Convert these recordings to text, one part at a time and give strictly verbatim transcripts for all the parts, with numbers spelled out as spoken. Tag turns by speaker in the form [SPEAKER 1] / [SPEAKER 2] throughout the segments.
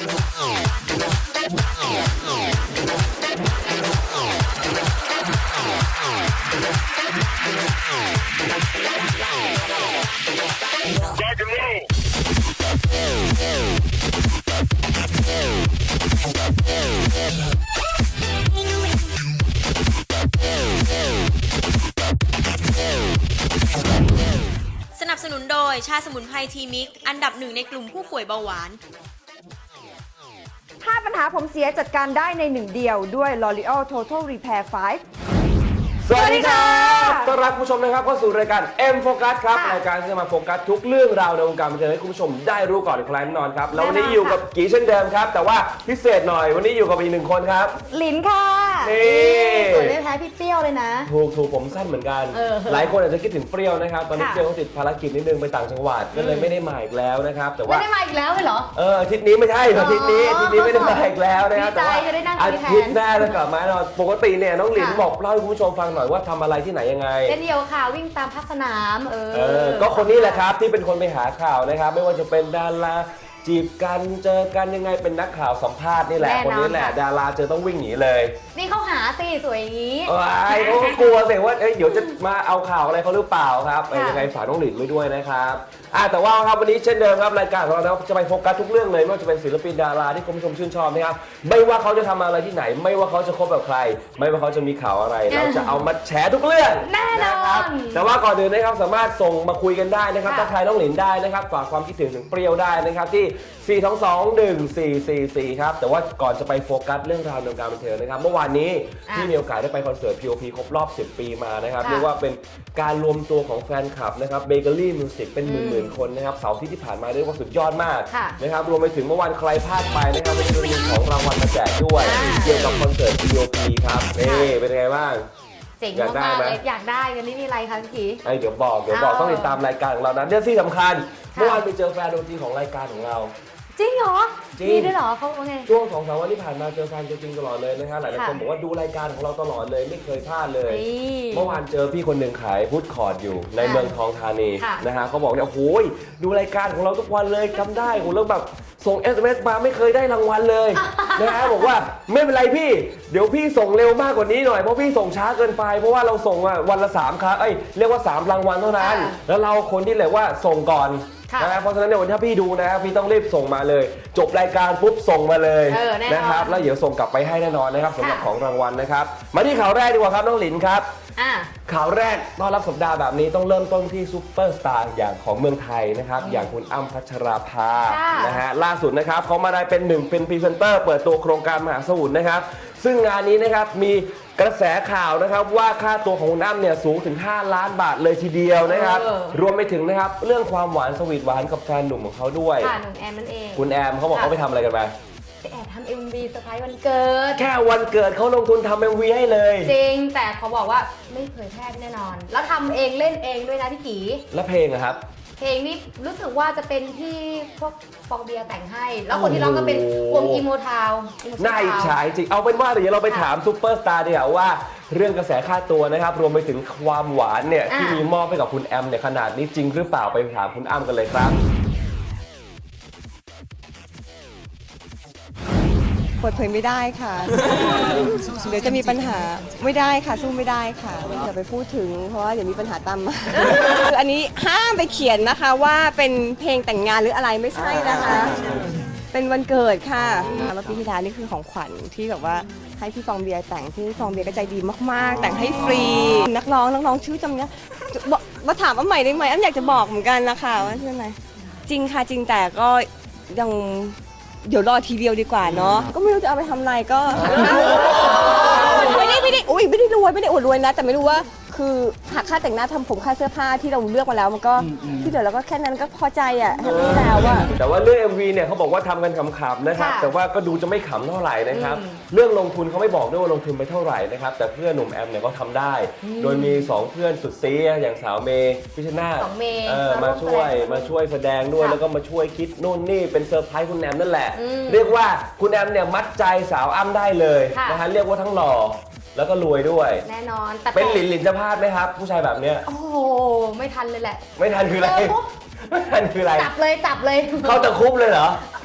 [SPEAKER 1] สนับสนุนโดยชาสมุนไพรทีมิกอันดับหนึ่งในกลุ่มผู้ป่วยเบาหวาน
[SPEAKER 2] ถ้าปัญหาผมเสียจัดการได้ในหนึ่งเดียวด้วย L'Oreal Total Repair ไฟว์
[SPEAKER 3] สวัสดีครับต้อนรับผู้ชมนะครับเข้าสู่รายการ M Focus ครับรายการที่จะมาโฟกัสทุกเรื่องราวในวงการบันเทิงให้คุณผู้ชมได้รู้ก่อนใครแน่นอนครับแล้ววันนี้อยู่กับกีเช่นเดิมครับแต่ว่าพิเศษหน่อยวันนี้อยู่กับอีกหนึ่งคนครับ
[SPEAKER 2] ลินค่ะ
[SPEAKER 3] นี่
[SPEAKER 2] สวยไม่แพ้พี่เปรี้ยวเลยนะ
[SPEAKER 3] ถูกถูกผมสั้นเหมือนกันหลายคนอาจจะคิดถึงเปรี้ยวนะครับตอนนี้เปรี้ยวเขาติดภารกิจนิดนึงไปต่างจังหวัดก็เลยไม่ได้มาอีกแล้วนะครับแต่ว่า
[SPEAKER 2] ไม่ได้มาอีกแล้วเหรอ
[SPEAKER 3] เอออาทิตย์นี้ไม่ใช่อาทิตย์นี้อาทิตย์นี้ไม่ได้มาอีกแล้วนะครับแต่ว่าอาทิตย์หน้าจะกลับมาแน่นอนปกติเนี่ยน้องลินบอกเล่าให้คุณผู้ชมฟังหน่อยว่าทำอะไรที่ไหนยังไง
[SPEAKER 2] เล่นเดียวค่ะวิ่งตามพักสนามเออ
[SPEAKER 3] เออก็คนนี้แหละครับที่เป็นคนไปหาข่าวนะครับไม่ว่าจะเป็นดาราจีบกันเจอกันยังไงเป็นนักข่าวสัมภาษณ์นี่แหละคนนี้แหละดาราเจอต้องวิ่งหนีเลย
[SPEAKER 2] นี่เขาหาสิสวยอย่างนี้
[SPEAKER 3] ว้ายเขาก็กลัวสิว่าเดี๋ยวจะมาเอาข่าวอะไรเขาหรือเปล่าครับยังไงฝากน้องหลินไว้ด้วยนะครับอ่าแต่ว่าครับวันนี้เช่นเดิมครับรายการของเราจะไปโฟกัสทุกเรื่องเลยไม่ว่าจะเป็นศิลปินดาราที่คุณผู้ชมชื่นชอบนะครับไม่ว่าเขาจะทำอะไรที่ไหนไม่ว่าเขาจะคบกับใครไม่ว่าเขาจะมีข่าวอะไรเราจะเอามาแฉทุกเรื่อง
[SPEAKER 2] แน่นอน
[SPEAKER 3] แต่ว่าก่อนอื่นนะครับสามารถส่งมาคุยกันได้นะครับทักทายน้องหลินได้นะครับฝากความคิดถึงถึงเปรี้ยวได้นะครับที่สี่ สอง สอง หนึ่ง สี่ สี่ สี่ครับแต่ว่าก่อนจะไปโฟกัสเรื่องราวในวงการบันเทิงนะครับเมื่อวานนี้ที่มีโอกาสได้ไปคอนเสิร์ต พี โอ พี ครบรอบสิบปีมานะครับเรียกว่าเป็นการรวมตัวของแฟนคลับนะครับเบเกอรี่มิวสิกเป็นหมื่นๆคนนะครับเสาร์ที่ที่ผ่านมาเรียกว่าสุดยอดมากนะครับรวมไปถึงเมื่อวานใครพลาดไปนะครับเป็นเรื่องของรางวัลมาแจกด้วยเกี่ยวกับคอนเสิร์ต พี โอ พี ครับนี่เป็นไงบ้าง
[SPEAKER 2] เจ๋งมากเลยอยากได้กันนี่มีอะไรคะพี่
[SPEAKER 3] ไอ้เดี๋ยวบอกเดี๋ยวบอกต้องติดตามรายการของเรานะเรื่องที่สำคัญเมื่อวานไปเจอแฟนดนตรีของรายการของเรา
[SPEAKER 2] จริงเหรอมีด้วยเหรอเขาว่าไง
[SPEAKER 3] ช่วงสองสามวันที่ผ่านมาเจอแฟนจริงๆตลอดเลยนะครับหลายๆคนบอกว่าดูรายการของเราตลอดเลยไม่เคยพลาดเลยเมื่อวานเจอพี่คนหนึ่งขายพุทธคอร์ดอยู่ในเมืองทองธานีนะฮะเขาบอกเนี่ยโอ้ยดูรายการของเราทุกวันเลยจำได้โอ้แล้วแบบส่ง เอส เอ็ม เอส มาไม่เคยได้รางวัลเลยนะฮะบอกว่าไม่เป็นไรพี่เดี๋ยวพี่ส่งเร็วมากกว่านี้หน่อยเพราะพี่ส่งช้าเกินไปเพราะว่าเราส่งวันละสามครั้งเอ้ยเรียกว่าสามรางวัลเท่านั้นแล้วเราคนที่เรียกว่าส่งก่อนนะเพราะฉะนั้นเนี่ยวันที่พี่ดูนะครับพี่ต้องรีบส่งมาเลยจบรายการปุ๊บส่งมาเลยนะครับแล้วเดี๋ยวส่งกลับไปให้แน่นอนนะครับสำหรับของรางวัลนะครับมาที่ข่าวแรกดีกว่าครับน้องหลินครับข่าวแรกต้อนรับสัปดาห์แบบนี้ต้องเริ่มต้นที่ซุปเปอร์สตาร์อย่างของเมืองไทยนะครับอย่างคุณอ้ำพัชราภานะฮะล่าสุดนะครับเขามาได้เป็นหนึ่งเป็นพรีเซนเตอร์เปิดตัวโครงการมหาสมุทรนะครับซึ่งงานนี้นะครับมีกระแสข่าวนะครับว่าค่าตัวของคุณอ้ำเนี่ยสูงถึงห้าล้านบาทเลยทีเดียวนะครับรวมไปถึงนะครับเรื่องความหวานสวีทหวานกับแฟนหนุ่มของเขาด้วย
[SPEAKER 2] ค่ะหนุ่มแอมนั่นเอง
[SPEAKER 3] คุณแอมเขาบอกเขาไปทำอะไรกันมา
[SPEAKER 2] ไปแอบทำ เอ็ม วี เซอร์ไพรส์วันเกิด
[SPEAKER 3] แค่วันเกิดเขาลงทุนทำ เอ็ม วี ให้เลย
[SPEAKER 2] จริงแต่เขาบอกว่าไม่เผยแพร่แน่นอนแล้วทำเองเล่นเองด้วยนะพี่กี
[SPEAKER 3] แล้วเพลงอะครับ
[SPEAKER 2] เพลงนี้รู้สึกว่าจะเป็นที่พวกฟองเบียร์แต่งให้แล้วคนที่ร้องก็เป็นวงอีโมทาว
[SPEAKER 3] น่าอิจฉาจริงเอาเป็นว่าเดี๋ยวเราไปถามซูเปอร์สตาร์ดีกว่าว่าเรื่องกระแสค่าตัวนะครับรวมไปถึงความหวานเนี่ยที่มีมอบให้กับคุณแอมเนี่ยขนาดนี้จริงหรือเปล่าไปถามคุณอ้ำกันเลยครับ
[SPEAKER 4] เปิดเผยไม่ได้ค่ะเดี๋ยวจะมีปัญหาไม่ได้ค่ะสู้ไม่ได้ค่ะอย่าไปพูดถึงเพราะว่าเดี๋ยวมีปัญหาตามมาคืออันนี้ห้ามไปเขียนนะคะว่าเป็นเพลงแต่งงานหรืออะไรไม่ใช่นะคะเป็นวันเกิดค่ะเมื่อปีที่แล้วนี่คือของขวัญที่แบบว่าให้พี่ฟองเบียร์แต่งที่ฟองเบียร์ก็ใจดีมากๆแต่งให้ฟรีนักร้องนักร้องชื่อจำเนี้ยมาถามว่าใหม่ได้ไหมอ้ำอยากจะบอกเหมือนกันนะคะว่าชื่ออะไรจริงค่ะจริงแต่ก็ยังเดี๋ยวรอทีเดียวดีกว่าเนาะก็ไม่รู้จะเอาไปทำอะไรก็ไม่ได้ไม่ได้อุ้ยไม่ได้รวยไม่ได้อวดรวยนะแต่ไม่รู้ว่าคือหักค่าแต่งหน้าทำผมค่าเสื้อผ้าที่เราเลือกมาแล้วมันก็ที่เหลือเราก็แค่นั้นก็พอใจอ่ะแฮปปี้แล้วอ่ะ
[SPEAKER 3] แต่ว่าเรื่อง เอ็ม วี เนี่ยเขาบอกว่าทำกันขำๆนะครับแต่ว่าก็ดูจะไม่ขำเท่าไหร่นะครับเรื่องลงทุนเขาไม่บอกด้วยว่าลงทุนไปเท่าไหร่นะครับแต่เพื่อนหนุ่มแอมเนี่ยก็ทำได้โดยมีสองเพื่อนสุดซีอย่างสาวเมย์พิชนาธิ์มาช่วยมาช่วยแสดงด้วยแล้วก็มาช่วยคิดนู่นนี่เป็นเซอร์ไพรส์คุณแอมนั่นแหละเรียกว่าคุณแอมเนี่ยมัดใจสาวอ้ำได้เลยนะฮะเรียกว่าทั้งหล่อแล้วก็รวยด้วย
[SPEAKER 2] แน่นอนแต่
[SPEAKER 3] เป็นหลินหลินจะพลาดไหมครับผู้ชายแบบเนี้ย
[SPEAKER 2] โอ้โหไม่ทันเลยแหละ
[SPEAKER 3] ไม่ทันคืออะไรไม่ทันคืออะไร
[SPEAKER 2] จับเลยจับเลย
[SPEAKER 3] เขาตะคุบเลยเหรอ
[SPEAKER 2] เข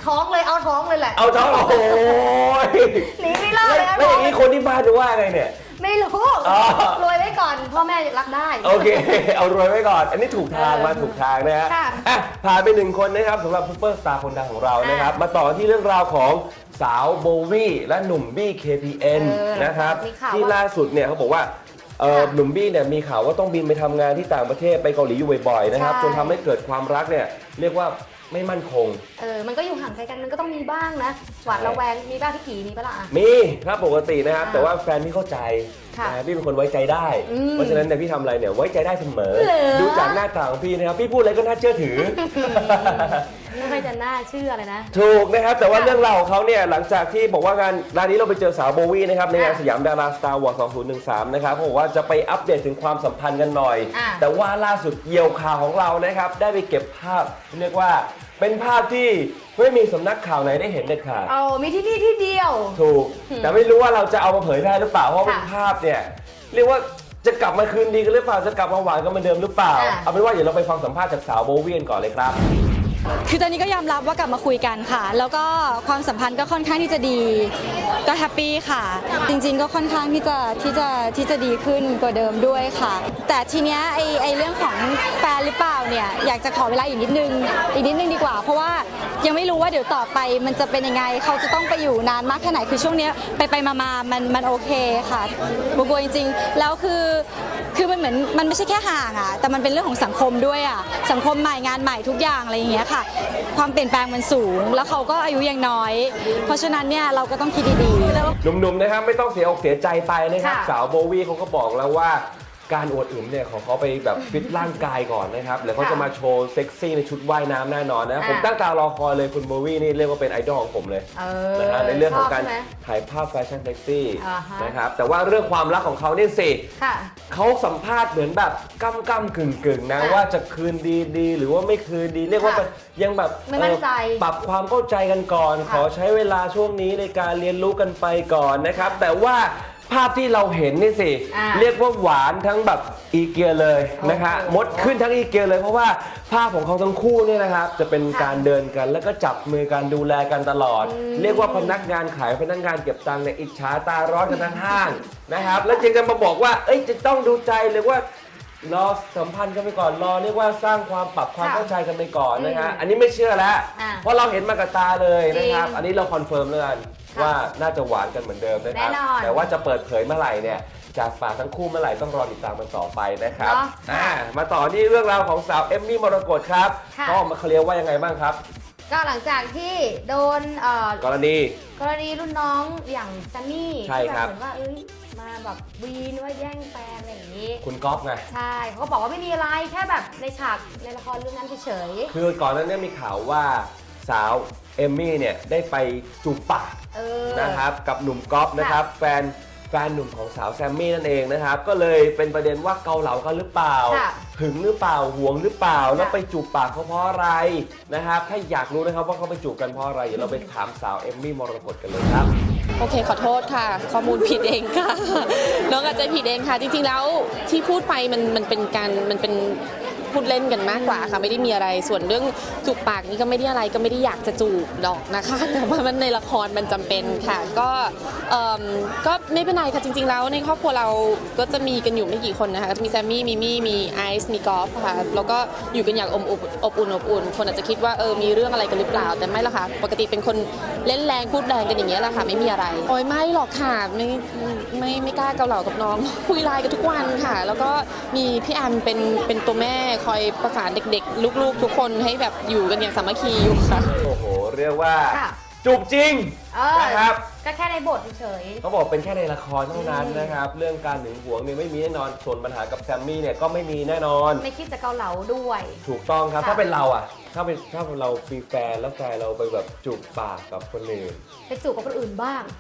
[SPEAKER 2] ท้องเลยเอาท้องเลยแหละ
[SPEAKER 3] เอาท้องโอ้โห
[SPEAKER 2] หนีไม่รอดเลยนะ
[SPEAKER 3] แล้วอย่างนี้คนที่บ้านจะว่าไงเนี่ย
[SPEAKER 2] ไม่รู้รวยไว้ก่อนพ่อแม่รับได้
[SPEAKER 3] โอเคเอารวยไว้ก่อนอันนี้ถูกทางมาถูกทางนะฮะอ่ะผ่านไปหนึ่งคนนะครับสำหรับซุปเปอร์สตาร์คนดังของเรานะครับมาต่อที่เรื่องราวของสาวโบวี่และหนุ่มบี้ เค พี เอ็น นะครับที่ล่าสุดเนี่ยเขาบอกว่าหนุ่มบี้เนี่ยมีข่าวว่าต้องบินไปทำงานที่ต่างประเทศไปเกาหลีอยู่บ่อยๆนะครับจนทำให้เกิดความรักเนี่ยเรียกว่าไม่มั่นคง
[SPEAKER 2] เออมันก็อยู่ห่างไกลกันมันก็ต้องมีบ้างนะหวาดระแวงมีบ้างที่กี่มีปะล่ะ
[SPEAKER 3] มีครับปกตินะครับแต่ว่าแฟนพี่เข้าใจนะพี่เป็นคนไว้ใจได้เพราะฉะนั้นเนี่ยพี่ทำอะไรเนี่ยไว้ใจได้เสมอดูจากหน้าตาของพี่นะครับพี่พูดอะไรก็น่าเชื่อถือ
[SPEAKER 2] ไม่ค่อยจะน่าเชื่อเลยนะ
[SPEAKER 3] ถูกนะครับแต่ว่าเรื่องราวของเขาเนี่ยหลังจากที่บอกว่างานร้านนี้เราไปเจอสาวโบวี่นะครับในงานสยามดาราสตาร์วอร์สองพันสิบสามนะครับเขาบอกว่าจะไปอัปเดตถึงความสัมพันธ์กันหน่อยแต่ว่าล่าสุดเยี่ยวข่าวของเรานะครับได้ไปเก็บภาพเรียกว่าเป็นภาพที่ไม่มีสำนักข่าวไหนได้เห็นเด็ดขาด
[SPEAKER 2] อ๋อมีที่นี่ที่เดียว
[SPEAKER 3] ถูกแต่ไม่รู้ว่าเราจะเอามาเผยแพร่หรือเปล่าเพราะเป็นภาพเนี่ยเรียกว่าจะกลับมาคืนดีกันหรือเปล่าจะกลับมาหวานกันเหมือนเดิมหรือเปล่าเอาเป็นว่าเดี๋ยวเราไปฟังสัมภาษณ์จากสาวโบวี่ก่อนเลยครับ
[SPEAKER 5] คือตอนนี้ก็ยอมรับว่ากลับมาคุยกันค่ะแล้วก็ความสัมพันธ์ก็ค่อนข้างที่จะดีก็แฮปปี้ค่ะจริงๆก็ค่อนข้างที่จะที่จะที่จะดีขึ้นกว่าเดิมด้วยค่ะแต่ทีเนี้ยไอไอเรื่องของแฟนหรือเปล่าเนี่ยอยากจะขอเวลาอีกนิดนึงอีกนิดนึงดีกว่าเพราะว่ายังไม่รู้ว่าเดี๋ยวต่อไปมันจะเป็นยังไงเขาจะต้องไปอยู่นานมากแค่ไหนคือช่วงนี้ไปไปมามามันมันโอเคค่ะบัวจริงๆแล้วคือคือมันเหมือนมันไม่ใช่แค่ห่างอ่ะแต่มันเป็นเรื่องของสังคมด้วยอ่ะสังคมใหม่งานใหม่ทุกอย่างอะไรอย่างเงี้ยค่ะความเปลี่ยนแปลงมันสูงแล้วเขาก็อายุยังน้อยเพราะฉะนั้นเนี่ยเราก็ต้องคิดดีๆ
[SPEAKER 3] หนุ่มๆนะครับไม่ต้องเสียอกเสียใจไปนะครับสาวโบวี่เขาก็บอกแล้วว่าการอวดอึมเนี่ยของเขาไปแบบฟิตร่างกายก่อนนะครับแล้วเขาจะมาโชว์เซ็กซี่ในชุดว่ายน้ำแน่นอนนะผมตั้งตารอคอยเลยคุณโบวี่นี่เรียกว่าเป็นไอดอลของผมเลยนะฮะในเรื่องของการถ่ายภาพแฟชั่นเซ็กซี่นะครับแต่ว่าเรื่องความรักของเขาเนี่ยสิเขาสัมภาษณ์เหมือนแบบก้ำก้ำกึ่งกึ่งนะว่าจะคืนดีดีหรือว่าไม่คืนดีเรียกว่ายังแบบปรับความเข้าใจกันก่อนขอใช้เวลาช่วงนี้ในการเรียนรู้กันไปก่อนนะครับแต่ว่าภาพที่เราเห็นนี่สิเรียกว่าหวานทั้งแบบอีเกียเลยนะคะมดขึ้นทั้งอีเกียเลยเพราะว่าภาพของเขาทั้งคู่เนี่ยนะครับจะเป็นการเดินกันแล้วก็จับมือกันดูแลกันตลอดเรียกว่าพนักงานขายพนักงานเก็บตังค์เนี่ยอิจฉาตาร้อนกันทั้งห้างนะครับแล้วจึงจะมาบอกว่าเอ้ยจะต้องดูใจหรือว่ารอสัมพันธ์กันไปก่อนรอเรียกว่าสร้างความปรับความเข้าใจกันไปก่อนนะฮะอันนี้ไม่เชื่อแล้วเพราะเราเห็นมากับตาเลยนะครับอันนี้เราคอนเฟิร์มเลยว่าน่าจะหวานกันเหมือนเดิมนะครับแต่ว่าจะเปิดเผยเมื่อไหร่เนี่ยจากปากทั้งคู่เมื่อไหร่ต้องรอติดตามมันต่อไปนะครับมาต่อที่เรื่องราวของสาวเอมมี่มรกตครับก็มาเคลียร์ว่ายังไงบ้างครับ
[SPEAKER 2] ก็หลังจากที่โดน
[SPEAKER 3] กรณี
[SPEAKER 2] กรณีรุ่นน้องอย่างซันนี่
[SPEAKER 3] ใช่ครับ
[SPEAKER 2] เหมือนว่าเอ้ยมาแบบวีนว่าแย่งแฟนอะไรอย่างนี้
[SPEAKER 3] คุณก๊อฟไง
[SPEAKER 2] ใช่เขาก็บอกว่าไม่มีอะไรแค่แบบในฉากในละครเรื่องนั้นเฉย
[SPEAKER 3] ๆคือก่อนนั้นเนี่ยมีข่าวว่าสาวเอมมี่เนี่ยได้ไปจูบปากนะครับกับหนุ่มก๊อฟนะครับแฟนแฟนหนุ่มของสาวแซมมี่นั่นเองนะครับก็เลยเป็นประเด็นว่าเกาเหลากันหรือเปล่าหึงหรือเปล่าหวงหรือเปล่าแล้วไปจูบปากเขาเพราะอะไรนะครับถ้าอยากรู้นะครับว่าเขาไปจูบกันเพราะอะไรเดี๋ยวเราไปถามสาวเอมมี่มรกตกันเลยครับ
[SPEAKER 6] โอเคขอโทษค่ะข้อมูลผิดเองค่ะน้องอาจจะผิดเองค่ะจริงๆแล้วที่พูดไปมันมันเป็นการมันเป็นพูดเล่นกันมากกว่าค่ะไม่ได้มีอะไรส่วนเรื่องจูบปากนี่ก็ไม่ได้อะไรก็ไม่ได้อยากจะจูบดอกนะคะแต่ว่ามันในละครมันจำเป็นค่ะก็เอ่อก็ไม่เป็นไรค่ะจริงๆแล้วในครอบครัวเราก็จะมีกันอยู่ไม่กี่คนนะคะมีแซมมี่มีมี่มีไอซ์มีกอล์ฟค่ะแล้วก็อยู่กันอย่างอบอุ่นอบอุ่นอบอุ่นคนอาจจะคิดว่าเออมีเรื่องอะไรกันหรือเปล่าแต่ไม่ละค่ะปกติเป็นคนเล่นแรงพูดแรงกันอย่างเงี้ยแหละค่ะไม่มีอะไรโอ้ยไม่หรอกค่ะไม่ไม่ไม่กล้าเกาเหลากับน้องคุยไลน์กันทุกวันค่ะแล้วก็มีพี่แอมเป็นเป็นตัวแม่คอยประสานเด็กๆลูกๆทุกคนให้แบบอยู่กันอย่างสามัคคีอยู่ค่ะ
[SPEAKER 3] โอ้โหเรียกว่าจูบจริงนะครับ
[SPEAKER 2] ก็แค่ในบทเฉย
[SPEAKER 3] เขาบอกเป็นแค่ในละครเท่านั้นนะครับเรื่องการหึงหวงเนี่ยไม่มีแน่นอนส่วนปัญหากับแซมมี่เนี่ยก็ไม่มีแน่นอน
[SPEAKER 2] ไม่คิดจะเกาเหลาด้วย
[SPEAKER 3] ถูกต้องครับถ้าเป็นเราอ่ะถ้าเป็นถ้าเรามีแฟนแล้วแฟนเราไปแบบจูบปากกับคนอื่น
[SPEAKER 2] ไปจูบกับคนอื่นบ้าง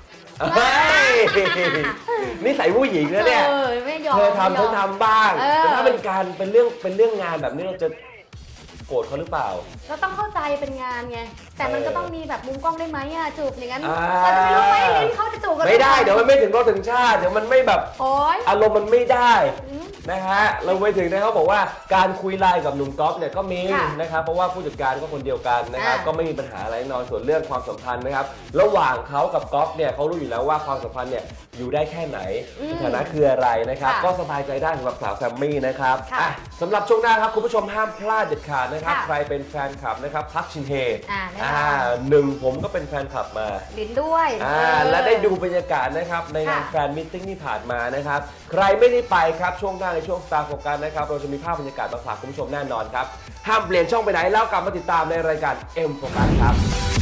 [SPEAKER 3] นี่ใส่ผู้หญิงนะเนี่ยเธอทำเธอทำบ้างแต่ถ้าเป็นการเป็นเรื่องเป็นเรื่องงานแบบนี้เราจะโกรธเขาหรือเปล่า
[SPEAKER 2] เราต้องเข้าใจเป็นงานไงแต่มันก็ต้องมีแบบมุมกล้องได้ไหมอะจูบอย่างนั้น
[SPEAKER 3] อ่า
[SPEAKER 2] เราจะไม่รู้ไหมลิ้นเขาจะจูบกัน
[SPEAKER 3] ไม่ได้เดี๋ยวมันไม่ถึงรถถึงชาติเดี๋ยวมันไม่แบบ
[SPEAKER 2] โอ๊ย
[SPEAKER 3] อารมณ์มันไม่ได้
[SPEAKER 2] อืม
[SPEAKER 3] นะฮะเราไปถึงนะเขาบอกว่าการคุยไลน์กับหนุ่มก๊อฟเนี่ยก็มี
[SPEAKER 2] ค่ะ
[SPEAKER 3] นะครับเพราะว่าผู้จัดการก็คนเดียวกันนะครับ
[SPEAKER 2] อ่า
[SPEAKER 3] ก็ไม่มีปัญหาอะไรแน่นอนส่วนเรื่องความสัมพันธ์นะครับระหว่างเขากับก๊อฟเนี่ยเขารู้อยู่แล้วว่าความสัมพันธ์เนี่ยอยู่ได้แค่ไหนสถานะคืออะไรนะครับ
[SPEAKER 2] ค่ะ
[SPEAKER 3] ก็สบายใจได้สำหรับสาวแซมมี่นะครับ
[SPEAKER 2] ค่ะ
[SPEAKER 3] อ่ะสำหรับช่วงหน้าครับคุณผู้ชมห้ามพลาดเด็ดขาดนะครับ
[SPEAKER 2] ค่ะ
[SPEAKER 3] ใครเป็นแฟนคลับนะครับพักชินเฮ
[SPEAKER 2] อ่าแน่นอน
[SPEAKER 3] อ่าหนึ่งผมก็เป็นแฟนคลับมา
[SPEAKER 2] ลิ้นด้วย
[SPEAKER 3] อ่า
[SPEAKER 2] เออ
[SPEAKER 3] และได้ดูบรรยากาศนะครับในงาน
[SPEAKER 2] ค่ะ
[SPEAKER 3] แฟนมิทติ้งที่ผ่านมานะครับใครไม่ได้ไปครับช่วงหน้าในช่วง Star Focus นะครับเราจะมีภาพบรรยากาศมาฝากคุณผู้ชมแน่นอนครับห้ามเปลี่ยนช่องไปไหนแล้วกลับมาติดตามในรายการ M Focus ครับ